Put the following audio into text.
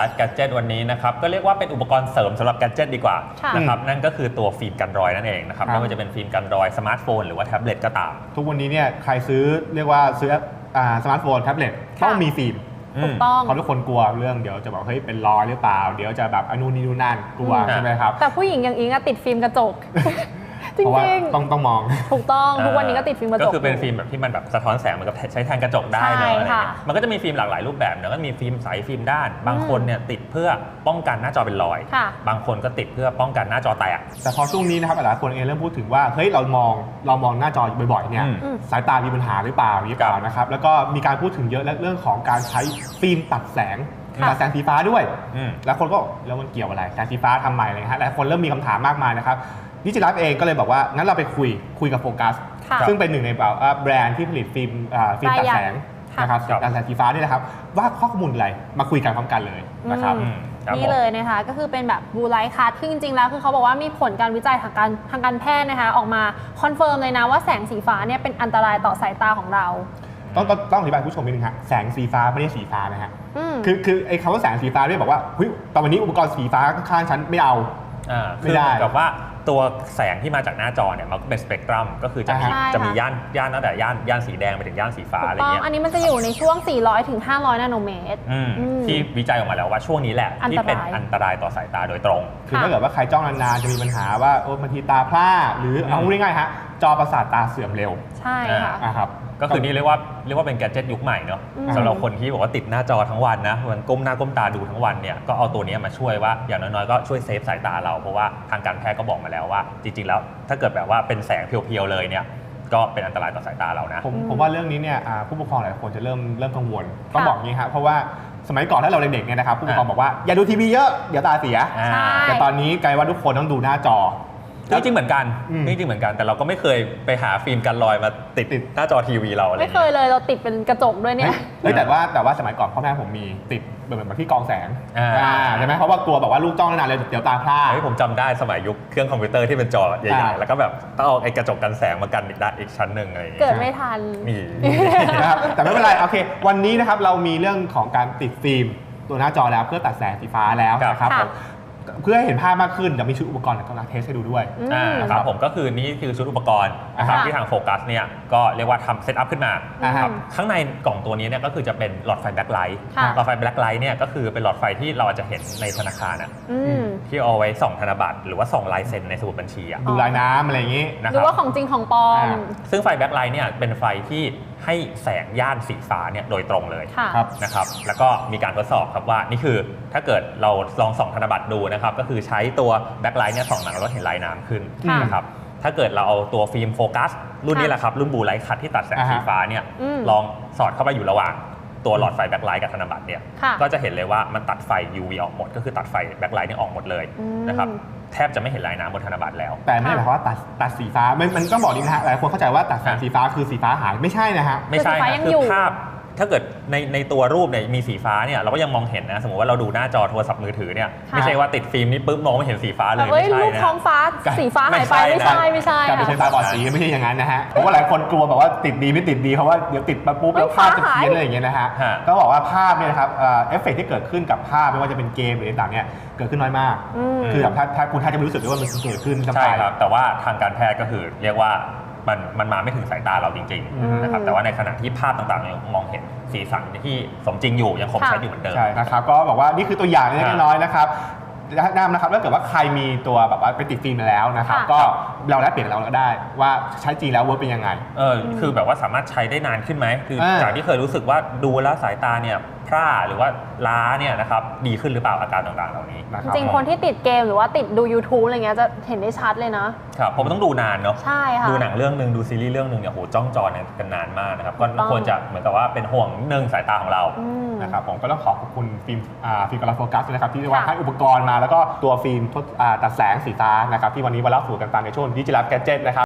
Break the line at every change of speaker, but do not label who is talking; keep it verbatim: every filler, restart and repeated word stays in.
Life Gadget วันนี้นะครับก็เรียกว่าเป็นอุปกรณ์เสริมสำหรับ Gadget ดีกว่านะครับนั่นก็คือตัวฟิล์มกันรอยนั่นเองนะครับไม่ว่าจะเป็นฟิล์มกันรอยสมาร์ทโฟนหรือว่าแท็บเล็ตก็ตาม
ทุกวันนี้เนี่ยใครซื้อเรียกว่าซื้อสมาร์ทโฟนแท็บเล็ตต้องมีฟิล์ม
ถูกต้อง
เพราะทุกคนกลัวเรื่องเดี๋ยวจะบอกเฮ้ยเป็นรอยหรือเปล่าเดี๋ยวจะแบบอนุนี่นู่นนั่นกลัวใช่ไหมครับ
แต่ผู้หญิงอย่างอิงอะติดฟิล์มกระจกจริง
ๆต้องต้องมอง
ถูกต้องทุกวันนี้ก็ติดฟิล์มกระจก
ก็คือเป็นฟิล์มแบบที่มันแบบสะท้อนแสงเหมือนกับใช้แทนกระจกได้เลยอะไรเงี้ยมันก็จะมีฟิล์มหลากหลายรูปแบบเนอะก็มีฟิล์มใสฟิล์มด้านบางคนเนี่ยติดเพื่อป้องกันหน้าจอเป็นรอยบางคนก็ติดเพื่อป้องกันหน้าจอแตก
แต่พอช่วงนี้นะครับหลายคนเองเริ่มพูดถึงว่าเฮ้ยเรามองเรามองหน้าจอบ่อยๆเนี่ยสายตามีปัญหาหรือเปล่าหรือเปล่านะครับแล้วก็มีการพูดถึงเยอะและเรื่องของการใช้ฟิล์มตัดแสงตัดแสงสีฟ้าด้วยแล้วคนก็แล้วมันเกี่ยวอะไรแสงสีฟ้าทำไมอะไรฮะหลายคนเริ่มมีคำถามมากมายนะครับดิจิทัลเองก็เลยบอกว่างั้นเราไปคุยคุยกับโฟกัสซึ่งเป็นหนึ่งในแบรนด์ที่ผลิตฟิล์มฟิล์มตัดแสงนะครับตัดแสงสีฟ้านี่นะครับว่าข้อมูลอะไรมาคุยกันพร้อมกันเลยนะครับ
นี่เลยนะคะก็คือเป็นแบบบูไลท์คัทซึ่งจริงๆแล้วคือเขาบอกว่ามีผลการวิจัยทางการทางการแพทย์นะคะออกมาคอนเฟิร์มเลยนะว่าแสงสีฟ้าเนี่ยเป็นอันตรายต่อสายตาของเรา
ต้องต้องอธิบายผู้ชมนิดนึงฮะแสงสีฟ้าไม่ได้สีฟ้านะฮะคือคือไอ้คำว่าแสงสีฟ้าเนี่ยบอกว่าเฮ้ยตอนวันนี้อุปกรณ์สีฟ้าข้างๆฉันไม่เอา
ไม่ได้กับว่าตัวแสงที่มาจากหน้าจอเนี่ยมันเป็นสเปกตรัมก็คือจะมีจะมีย่านย่านตั้งแต่ย่านย่านสีแดงไปถึงย่านสีฟ้าอะไรเงี้ย
อันนี้มันจะอยู่ในช่วงสี่ร้อยถึงห้าร้อยนาโนเมตร
ที่วิจัยออกมาแล้วว่าช่วงนี้แหละที่เป็นอันตรายต่อสายตาโดยตรง
คือถ้าเกิดว่าใครจ้องนานๆจะมีปัญหาว่าโอ้บางทีตาพร่าหรือเอาง่ายๆฮะจอประสาทตาเสื่อมเร็ว
ใช่ค่ะ
ครับ
ก็คือนี่เรียกว่าเรียกว่าเป็นแกดเจ็ตยุคใหม่เนาะสำหรับคนที่บอกว่าติดหน้าจอทั้งวันนะมันก้มหน้าก้มตาดูทั้งวันเนี่ยก็เอาตัวนี้มาช่วยว่าอย่างน้อยๆก็ช่วยเซฟสายตาเราเพราะว่าทางการแพทย์ก็บอกมาแล้วว่าจริงๆแล้วถ้าเกิดแบบว่าเป็นแสงเพียวๆเลยเนี่ยก็เป็นอันตรายต่อสายตาเรานะ
ผมผมว่าเรื่องนี้เนี่ยผู้ปกครองหลายคนจะเริ่มเริ่มกังวลต้องบอกงี้ครับเพราะว่าสมัยก่อนถ้าเราเด็กๆเนี่ยนะครับผู้ปกครองบอกว่าอย่าดูทีวีเยอะเดี๋ยวตาเสียแต่ตอนนี้กลายว่าทุกคนต้องดูหน้าจอ
จริงๆเหมือนกันจริงๆเหมือนกันแต่เราก็ไม่เคยไปหาฟิล์มกันรอยมาติดหน้าจอทีวีเราอะไร
ไม่เคยเลยเราติดเป็นกระจกด้วยเนี่ย
แต่ว่าแต่ว่าสมัยก่อนพ่อแม่ผมมีติดเหมือนแบบที่กองแสงใช่ไหมเพราะว่ากลัวแบบว่าลูกจ้องนานเลยเดี๋ยวตาพร่า
ผมจำได้สมัยยุคเครื่องคอมพิวเตอร์ที่เป็นจอใหญ่ๆแล้วก็แบบต้องเอาไอ้กระจกกันแสงมากันอีกด้านอีกชั้นหนึ่งอะไร
เกิดไม่ทัน
นี่
นะครับแต่ไม่เป็นไรโอเควันนี้นะครับเรามีเรื่องของการติดฟิล์มตัวหน้าจอแล้วเพื่อตัดแสงสีฟ้าแล้วนะครับเพื่อให้เห็นภาพมากขึ้นจะมีชุดอุปกรณ์ก็มาเทสให้ดูด้วย
นะครับผมก็คือนี่คือชุดอุปกรณ์นะครับที่ทางโฟกัสเนี่ยก็เรียกว่าทำเซตอัพขึ้นมาครับข้างในกล่องตัวนี้เนี่ยก็คือจะเป็นหลอดไฟแบ็คไลท์หลอดไฟแบ็คไลท์เนี่ยก็คือเป็นหลอดไฟที่เราอาจจะเห็นในธนาคารอ่ะที่เอาไว้ส่องธนบัตรหรือว่าส่องลายเซ็นในสมุดบัญชีอ่ะ
ดูลายน้ำอะไรอย่างนี้
หรือว่าของจริงของปลอม
ซึ่งไฟแบ็คไลท์เนี่ยเป็นไฟที่ให้แสงย่านสีฟ้าเนี่ยโดยตรงเลยนะครับแล้วก็มีการทดสอบครับว่านี่คือถ้าเกิดเราลองส่องธนบัตรดูนะครับก็คือใช้ตัวแบ็คไลท์เนี่ยส่องหนังแล้วเห็นลายน้ำขึ้นนะครับถ้าเกิดเราเอาตัวฟิล์มโฟกัสรุ่นนี้แหละครับรุ่นบูไลท์คัทที่ตัดแสงสีฟ้าเนี่ยลองสอดเข้าไปอยู่ระหว่างตัวหลอดไฟแบ็คไลท์กับธนบัตรเนี่ยก็จะเห็นเลยว่ามันตัดไฟ ยู วี ออกหมดก็คือตัดไฟแบ็คไลท์เนี่ยออกหมดเลยนะครับแทบจะไม่เห็นลายน้ำบนธนบัตรแล้ว
แต่ไม่ได้หมายความว่าตัดตัดสีฟ้ามันมันต้องบอกดีนะฮะหลายคนเข้าใจว่าตัดแสงสีฟ้าคือสีฟ้าหายไม่ใช่นะฮะ
ไม่ใช่คือภาพถ้าเกิดในในตัวรูปเนี่ยมีสีฟ้าเนี่ยเราก็ยังมองเห็นนะสมมติว่าเราดูหน้าจอโทรศัพท์มือถือเนี่ยไม่ใช่ว่าติดฟิล์มนี่ปุ๊บมองไม่เห็นสีฟ้าเลย
ไม่ใช่นะรูปท้องฟ้าสีฟ้าหายไปไม่ใช่ไม่ใช่
การเป็นไฟฟ้าบอดสีไม่ใช่อย่างนั้นนะฮะเพราะว่าหลายคนกลัวแบบว่าติดดีไม่ติดดีเพราะว่าเดี๋ยวติดมาปุ๊บแล้วภาพจะเพี้ยนอะไรอย่างเงี้ยนะฮะก็บอกว่าภาพเนี่ยนะครับเอฟเฟกต์ที่เกิดขึ้นกับภาพไม่ว่าจะเป็นเกมหรือต่างๆเนี่ยเกิดขึ้นน้อยมากคือแบบถ้าถ้าคุณท่านจะไม่รู้สึกว่ามันเกิดขึ้น
ใช่ครับแต่ว่าทางการแพทย์ก็คือเรียกว่ามันมันมาไม่ถึงสายตาเราจริงๆนะครับแต่ว่าในขณะที่ภาพต่างๆยังมองเห็นสีสันที่สมจริงอยู่ยังคงชัดอยู่เหมือนเดิม
ใช่นะครับก็บอกว่านี่คือตัวอย่างเล็กน้อยนะครับแนะนำนะครับถ้าเกิดว่าใครมีตัวแบบว่าไปติดฟิล์มมาแล้วนะครับก็เราแลกเปลี่ยนเราก็ได้ว่าใช้จริงแล้วเวิร์กเป็นยังไง
เออคือแบบว่าสามารถใช้ได้นานขึ้นไหมคือจากที่เคยรู้สึกว่าดูแล้วสายตาเนี่ยพร่าหรือว่าล้าเนี่ยนะครับดีขึ้นหรือเปล่าอาการต่างๆเหล่านี้
จริงคนที่ติดเกมหรือว่าติดดู ยูทูบ อะไรเงี้ยจะเห็นได้ชัดเลยนะครับ
ผมต้องดูนานเนาะ
ใช่ค่ะ
ดูหนังเรื่องนึงดูซีรีส์เรื่องนึงเนี่ยโหจ้องจอกันนานมากนะครับก็ควรจะเหมือนกับว่าเป็นห่วงนึงสายตาของเรา
นะครับผมก็ต้องขอบคุณฟิล์มฟิล์มกราโฟกัสนะครับที่เรียกว่าให้อุปกรณ์มาแล้วก็ตัวฟิล์มตัดแสงสีฟ้านะครับที่วันนี้มาเล่าสู่กันฟังในช่วง Digital Gadget นะครับ